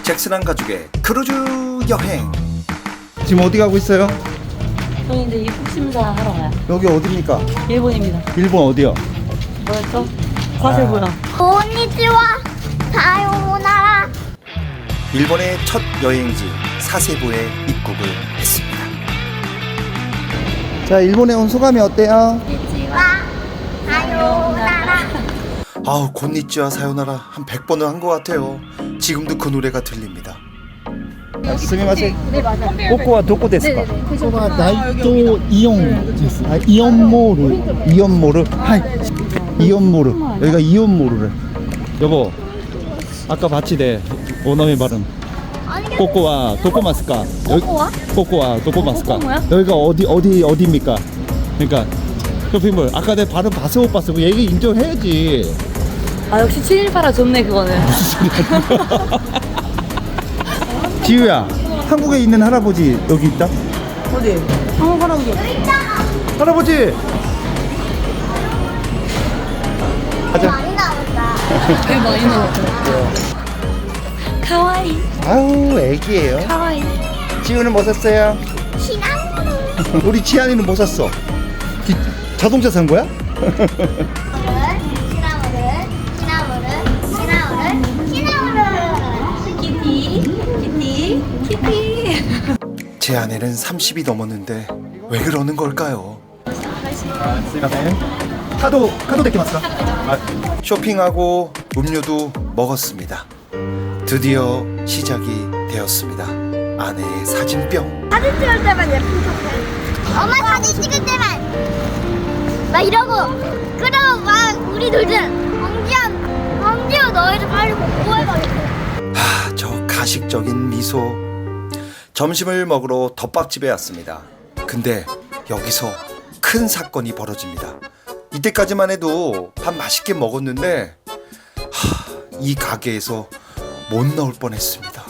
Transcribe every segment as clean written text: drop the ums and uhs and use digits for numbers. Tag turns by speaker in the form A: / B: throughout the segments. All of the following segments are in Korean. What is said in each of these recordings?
A: 잭슨한 가족의 크루즈 여행.
B: 지금 어디 가고 있어요?
C: 저희 이제 입국 심사 하러 가요.
B: 여기 어디입니까?
C: 일본입니다.
B: 일본 어디요?
C: 뭐였죠? 과세부요.
D: konnichiwa, 사요나라.
A: 일본의 첫 여행지 사세보에 입국을 했습니다.
B: 자, 일본에 온 소감이 어때요?
D: konnichiwa, 사요나라.
A: 아우, 곤니찌와 사요나라 한 100번은 한 것 같아요. 지금도 그 노래가 들립니다.
B: 스미마셍.
D: 네, 맞아요.
B: 꼬꼬와 도코 데스까?
E: ここは大東イオンです。イオンモール。
B: 이온모르. 하이. 이온모르. 여기가 이온모르래. 여보, 아까 봤지 내 오너의 발음. 꼬꼬와 도코마스까?
C: 꼬꼬와?
B: 꼬꼬와 도코마스까?
C: 꼬꼬 뭐야?
B: 여기가 어디입니까? 그러니까 쇼핑몰. 아까 내 발음 봤어 못 봤어? 그 얘기 인정해야지.
C: 아 역시 718아 좋네 그거는.
B: 지우야, 한국에 있는 할아버지 여기 있다?
C: 어디? 한국 할아버지.
B: 할아버지! 가자.
D: 많이 나온다.
C: 되게 많이 나왔죠. 카와이.
B: 아우, 애기예요.
C: 카와이.
B: 지우는 뭐 샀어요?
D: 시나모를.
B: 우리 지안이는 뭐 샀어? 자동차 산 거야?
C: 키티.
A: 제 아내는 30이 넘었는데 왜 그러는 걸까요?
B: 카드 데키마스까?
A: 쇼핑하고 음료도 먹었습니다. 드디어 시작이 되었습니다. 아내의 사진병.
D: 사진 찍을 때만 예쁜 척해. 엄마 사진 찍을 때만 막 이러고 그러고 막 우리 둘은 왕지야 너희들 빨리 공부해가지고.
A: 저 가식적인 미소. 점심을 먹으러 덮밥집에 왔습니다. 근데 여기서 큰 사건이 벌어집니다. 이때까지만 해도 밥 맛있게 먹었는데 이 가게에서 못 나올 뻔했습니다.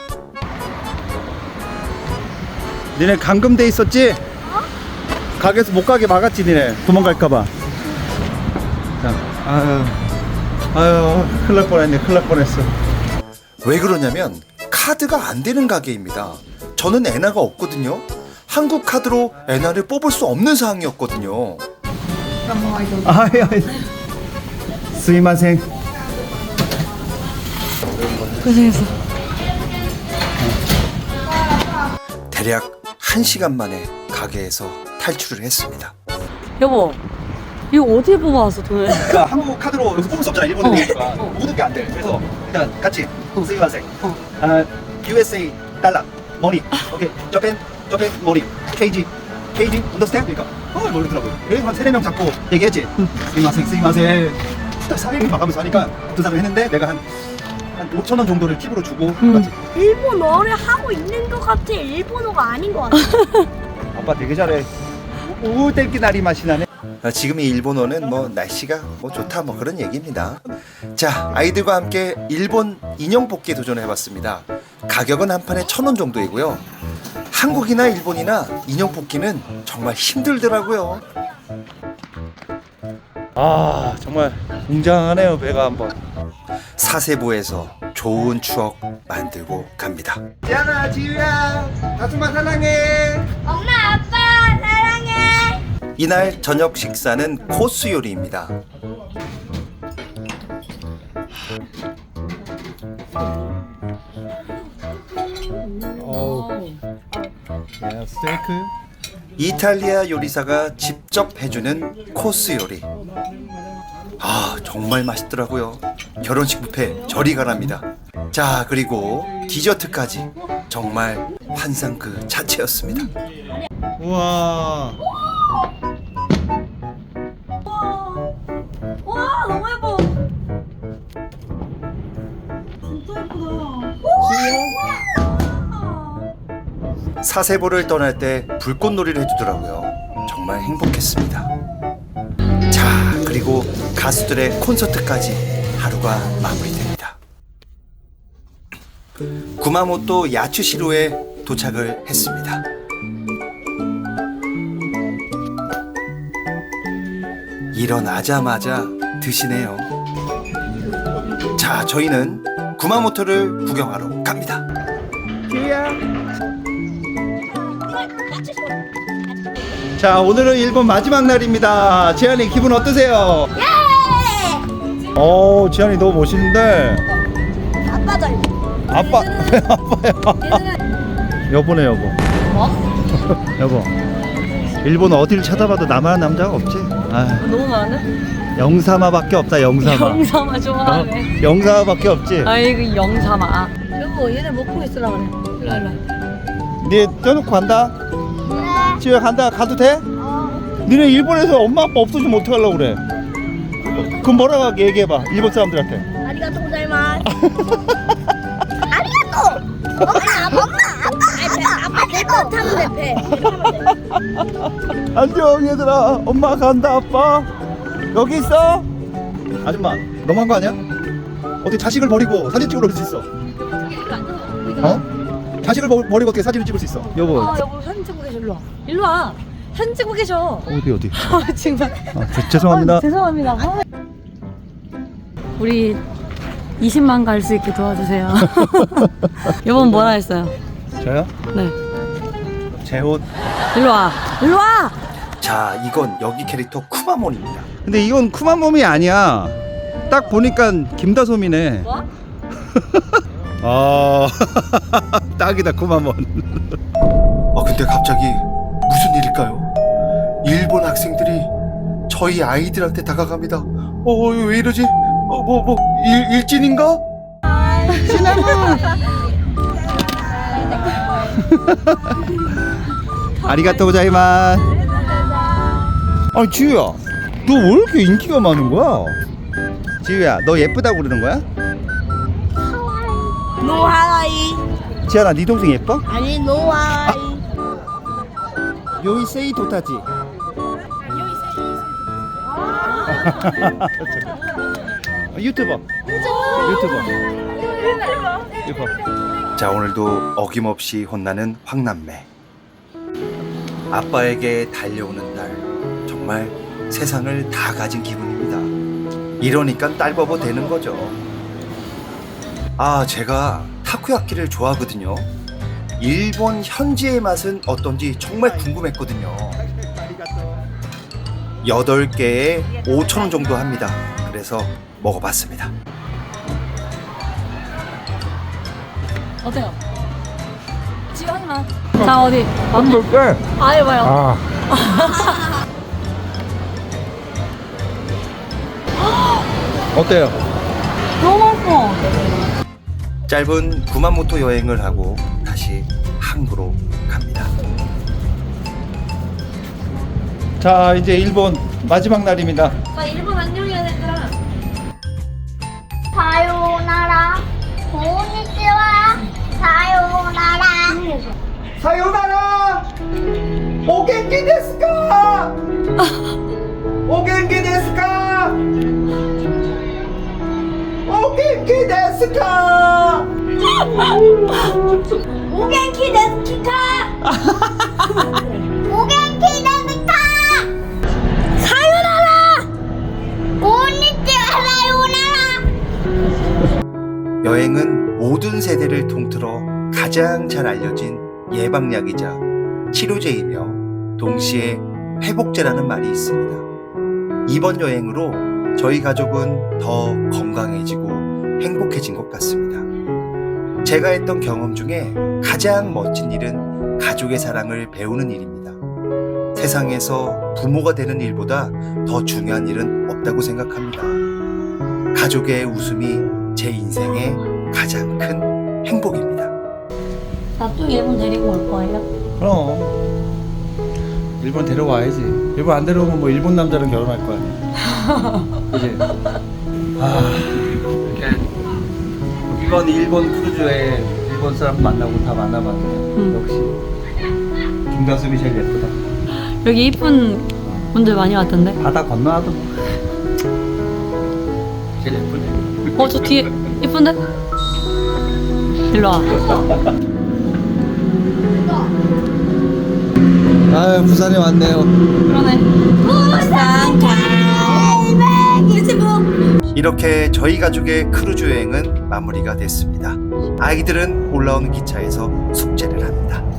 B: 니네 감금돼 있었지? 가게에서 못 가게 막았지 니네 도망갈까봐. 자, 아유 큰일 날 뻔했네. 큰일 날 뻔했어.
A: 왜 그러냐면 카드가 안 되는 가게입니다. 저는 엔화가 없거든요. 한국 카드로 엔화를 뽑을 수 없는 상황이었거든요.
B: 아이 스미마셍.
C: 고생했어.
A: 대략 1시간 만에 가게에서 탈출을 했습니다.
C: 여보, 이거 어디에 뽑아왔어 돈을?
B: 그러니까 한국 카드로 여기서 뽑을 수 없잖아. 일본이니까 모든 게 안 돼. 그래서 일단 같이 스미마셍. USA 달러 머니. 오케이. 저펜 머니. KG understand? 그러니까 모르더라고요. 그래서 한 3-4명 잡고 얘기했지. 스미마셍. 딱 사회를 봐가면서 하니까 두 사람 했는데 내가 한 5,000원 정도를 팁으로 주고 맞지?
D: 일본어를 하고 있는 것 같아. 일본어가 아닌 것 같아.
B: 아빠 되게 잘해. 우땡기 나리 맛이 나네.
A: 지금 이 일본어는 뭐 날씨가 뭐 좋다 뭐 그런 얘기입니다. 자, 아이들과 함께 일본 인형 뽑기에 도전해봤습니다. 가격은 한 판에 1,000원 정도이고요. 한국이나 일본이나 인형 뽑기는 정말 힘들더라고요.
B: 아 정말 웅장하네요. 배가 한번.
A: 사세보에서 좋은 추억 만들고 갑니다.
B: 지안아, 지우야, 다솜아 사랑해.
D: 엄마 아빠 사랑해.
A: 이날 저녁 식사는 코스 요리입니다.
B: 야, 스테이크.
A: 이탈리아 요리사가 직접 해주는 코스 요리. 정말 맛있더라고요. 결혼식 뷔페 저리 가랍니다. 자, 그리고 디저트까지 정말 환상 그 자체였습니다.
B: 우와.
C: 와 너무 예뻐. 진짜 예쁘다.
A: 사세보를 떠날 때 불꽃놀이를 해주더라고요. 정말 행복했습니다. 자, 그리고 가수들의 콘서트까지 하루가 마무리됩니다. 구마모토 야츠시로에 도착을 했습니다. 일어나자마자 드시네요. 자, 저희는 구마모토를 구경하러 갑니다.
B: 자, 오늘은 일본 마지막 날입니다. 지안이 기분 어떠세요? 오, 지안이 너무 멋있는데.
D: 아빠 닮.
B: 아빠, 왜 아빠야? 여보네, 여보.
C: 뭐?
B: 여보. 일본 어딜 쳐다봐도 나만한 남자가 없지? 아,
C: 너무 많네?
B: 영사마밖에 없다, 영사마.
C: 영삼아 좋아하네.
B: 영사마밖에 없지?
C: 아이고 영삼아. 여보 얘네 먹고 있으라 그래. 일로 일로.
B: 네 떼놓고 간다? 집에 간다. 가도 돼? 니네 일본에서 엄마 아빠 없어지면 어떡하려고 그래? 그럼 뭐라고 얘기해봐, 일본 사람들한테.
D: 아리가또 고자이마스. 아리가또. 아빠 내거 타면 돼. 배.
B: 안녕 얘들아, 엄마 간다. 아빠 여기 있어. 아줌마 너무한 거 아니야? 어떻게 자식을 버리고 사진 찍으러 올 수 있어? 어? 자식을 버리고 어떻게 사진을 찍을 수 있어? 여보.
C: 여보 사진 찍고 계셔. 일로 와. 일로 와. 사진 찍고 계셔.
B: 어디?
C: 정말.
B: 죄송합니다.
C: 죄송합니다. 우리 20만 갈 수 있게 도와주세요. 여보는 뭐라 했어요?
B: 저요?
C: 네.
B: 제 옷.
C: 일로 와. 일로 와.
A: 자, 이건 여기 캐릭터 쿠마몬입니다.
B: 근데 이건 쿠마몸이 아니야. 딱 보니까 김다솜이네.
C: 뭐?
B: 아, 딱이다 쿠마몬.
A: 근데 갑자기 무슨 일일까요? 일본 학생들이 저희 아이들한테 다가갑니다. 왜 이러지? 일진인가?
B: 아리가또 고자이마스. 아니 지우야, 너 왜 이렇게 인기가 많은 거야? 지우야, 너 예쁘다고 그러는 거야?
D: 노하라이.
B: 지아나, 네 동생 예뻐?
D: 아니 노하라이.
B: 요이세이 도타지. 유튜버.
A: 자, 오늘도 어김없이 혼나는 황남매. 아빠에게 달려오는 딸, 정말 세상을 다 가진 기분입니다. 이러니까 딸바보 되는 거죠. 제가 타코야키를 좋아하거든요. 일본 현지의 맛은 어떤지 정말 궁금했거든요. 8개에 5,000원 정도 합니다. 그래서 먹어봤습니다.
C: 어때요? 지금 하지마. 자 어디?
B: 한번 빼.
C: 해봐요.
B: 어때요?
C: 너무 맛있어.
A: 짧은 구마모토 여행을 하고 다시 항구로 갑니다.
B: 자, 이제 일본 마지막 날입니다.
C: 나 일본 안녕이야 얘들아.
D: 사요나라. 고니치와. 사요나라.
B: 사요나라. 오겐키 데스까? 오겐키 데스까? 오겐키 데스까?
D: 오겐키 데스키카. 오겐키 데스카. 사요나라. 고니치와 사요나라.
A: 여행은 모든 세대를 통틀어 가장 잘 알려진 예방약이자 치료제이며 동시에 회복제라는 말이 있습니다. 이번 여행으로 저희 가족은 더 건강해지고 행복해진 것 같습니다. 제가 했던 경험 중에 가장 멋진 일은 가족의 사랑을 배우는 일입니다. 세상에서 부모가 되는 일보다 더 중요한 일은 없다고 생각합니다. 가족의 웃음이 제 인생의 가장 큰 행복입니다.
C: 나 또 일본 데리고 올 거예요?
B: 그럼 일본 데려와야지. 일본 안 데려오면 뭐 일본 남자랑 결혼할 거 아니야. 그지? 이렇게 이번 일본 크루즈에 일본 사람 만나고 다 만나봤는데 역시 김다솜이 제일 예쁘다.
C: 여기 이쁜 분들 많이 왔던데.
B: 바다 건너와도 제일 예쁘네.
C: 저 뒤에 이쁜데? 일로 와.
B: 아유, 부산에 왔네요.
C: 그러네.
D: 부산 갈매기.
A: 이렇게 저희 가족의 크루즈 여행은 마무리가 됐습니다. 아이들은 올라오는 기차에서 숙제를 합니다.